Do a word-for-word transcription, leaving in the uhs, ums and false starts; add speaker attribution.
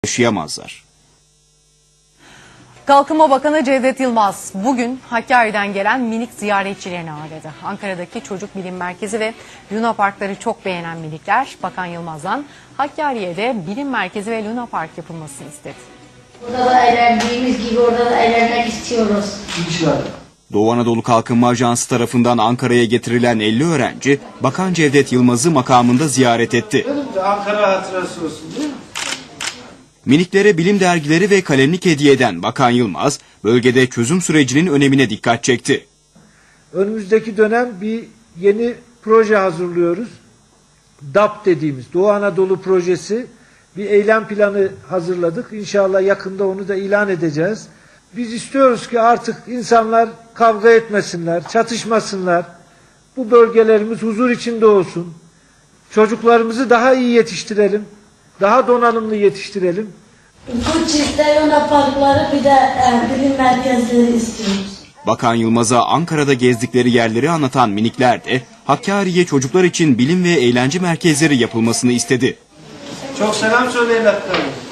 Speaker 1: yaşayamazlar.
Speaker 2: Kalkınma Bakanı Cevdet Yılmaz bugün Hakkari'den gelen minik ziyaretçilerini ağırladı. Ankara'daki Çocuk Bilim Merkezi ve Luna Parkları çok beğenen minikler Bakan Yılmaz'dan Hakkari'ye de bilim merkezi ve Luna Park yapılmasını istedi.
Speaker 3: Burada da eğlendiğimiz gibi orada da eğlenmek istiyoruz.
Speaker 1: Doğu Anadolu Kalkınma Ajansı tarafından Ankara'ya getirilen elli öğrenci Bakan Cevdet Yılmaz'ı makamında ziyaret etti.
Speaker 4: Ankara hatırası olsun değil mi?
Speaker 1: Miniklere bilim dergileri ve kalemlik hediye eden Bakan Yılmaz, bölgede çözüm sürecinin önemine dikkat çekti.
Speaker 5: Önümüzdeki dönem bir yeni proje hazırlıyoruz. D A P dediğimiz Doğu Anadolu projesi, bir eylem planı hazırladık. İnşallah yakında onu da ilan edeceğiz. Biz istiyoruz ki artık insanlar kavga etmesinler, çatışmasınlar. Bu bölgelerimiz huzur içinde olsun. Çocuklarımızı daha iyi yetiştirelim. Daha donanımlı yetiştirelim.
Speaker 3: Bu çifte Luna Parkları bir de e, bilim merkezleri istiyoruz.
Speaker 1: Bakan Yılmaz'a Ankara'da gezdikleri yerleri anlatan minikler de Hakkari'ye çocuklar için bilim ve eğlence merkezleri yapılmasını istedi.
Speaker 4: Çok selam söyleyin hatta.